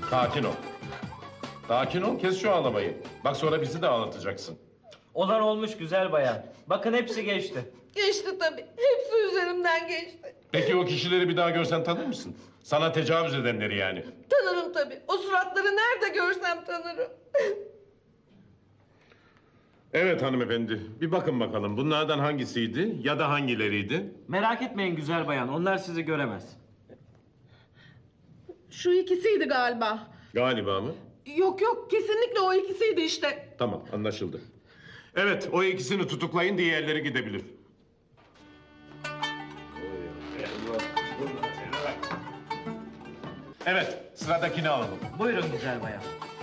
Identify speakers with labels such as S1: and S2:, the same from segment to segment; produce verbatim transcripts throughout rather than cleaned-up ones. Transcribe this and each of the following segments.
S1: Sakin ol. Sakin ol, kes şu ağlamayı. Bak sonra bizi de ağlatacaksın.
S2: Olan olmuş güzel bayan. Bakın hepsi geçti.
S3: Geçti tabii. Hepsi üzerimden geçti.
S1: Peki o kişileri bir daha görsen tanır mısın? Sana tecavüz edenleri yani.
S3: Tanırım tabii. O suratları nerede görsem tanırım.
S1: Evet hanımefendi, bir bakın bakalım. Bunlardan hangisiydi ya da hangileriydi?
S2: Merak etmeyin güzel bayan. Onlar sizi göremez.
S3: Şu ikisiydi galiba.
S1: Galiba mı?
S3: Yok yok, kesinlikle o ikisiydi işte.
S1: Tamam, anlaşıldı. Evet, o ikisini tutuklayın, diğerleri gidebilir. Evet, sıradakini alalım.
S2: Buyurun güzel bayan.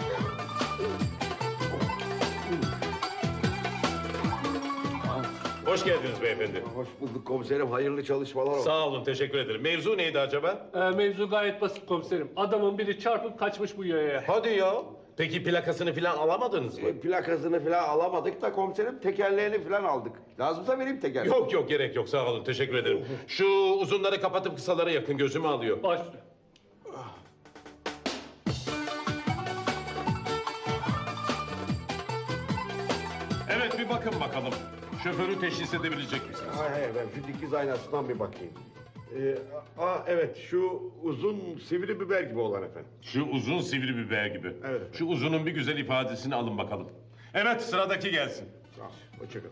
S1: Hoş geldiniz beyefendi.
S4: Hoş bulduk komiserim. Hayırlı çalışmalar olsun.
S1: Sağ olun, teşekkür ederim. Mevzu neydi acaba?
S5: Ee, mevzu gayet basit komiserim. Adamın biri çarpıp kaçmış bu yaya.
S1: Hadi ya. Peki plakasını falan alamadınız mı?
S4: E, plakasını falan alamadık da komiserim tekerleğini falan aldık. Lazımsa vereyim tekerleği.
S1: Yok yok, gerek yok. Sağ olun, teşekkür ederim. Şu uzunları kapatıp kısalara yakın, gözümü alıyor.
S5: Başlıyor.
S1: Evet, bir bakın bakalım. Şoförü teşhis edebilecek misiniz?
S4: Hayır hayır ben şu dikiz aynasından bir bakayım. Ee, aa evet şu uzun sivri biber gibi olan efendim.
S1: Şu uzun sivri biber gibi.
S4: Evet efendim.
S1: Şu uzunun bir güzel ifadesini alın bakalım. Evet, sıradaki gelsin.
S4: Sağ ol. Hoşçakalın.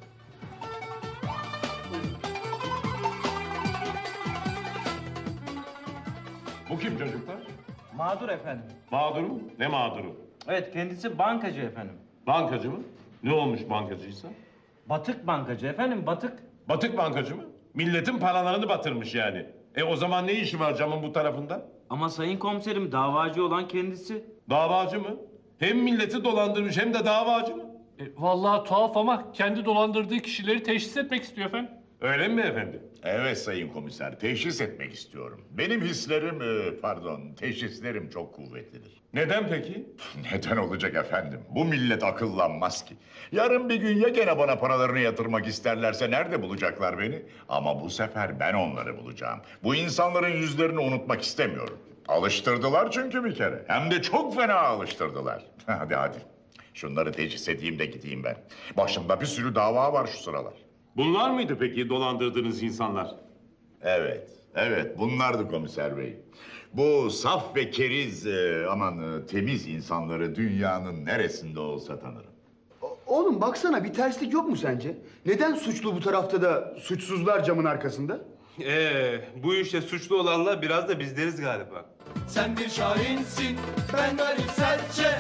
S1: Bu kim çocuklar?
S2: Mağdur efendim.
S1: Mağdur mu? Ne mağduru?
S2: Evet kendisi bankacı efendim.
S1: Bankacı mı? Ne olmuş bankacıysa?
S2: Batık bankacı efendim batık.
S1: Batık bankacı mı? Milletin paralarını batırmış yani. E o zaman ne işi var camın bu tarafında?
S2: Ama sayın komiserim davacı olan kendisi.
S1: Davacı mı? Hem milleti dolandırmış hem de davacı mı?
S5: E, vallahi tuhaf ama kendi dolandırdığı kişileri teşhis etmek istiyor efendim.
S1: Öyle mi efendi?
S6: Evet sayın komiser, teşhis etmek istiyorum. Benim hislerim, e, pardon, teşhislerim çok kuvvetlidir.
S1: Neden peki?
S6: Neden olacak efendim? Bu millet akıllanmaz ki. Yarın bir gün ya gene bana paralarını yatırmak isterlerse nerede bulacaklar beni? Ama bu sefer ben onları bulacağım. Bu insanların yüzlerini unutmak istemiyorum. Alıştırdılar çünkü bir kere. Hem de çok fena alıştırdılar. Hadi hadi. Şunları teşhis edeyim de gideyim ben. Başımda bir sürü dava var şu sıralar.
S1: Bunlar mıydı peki dolandırdığınız insanlar?
S6: Evet, evet bunlardı komiser bey. Bu saf ve keriz, e, aman e, temiz insanları dünyanın neresinde olsa tanırım.
S7: O- Oğlum baksana bir terslik yok mu sence? Neden suçlu bu tarafta da suçsuzlar camın arkasında?
S8: Ee, bu işte suçlu olanlar biraz da bizleriz galiba.
S9: Sen bir şahinsin, ben garip serçe.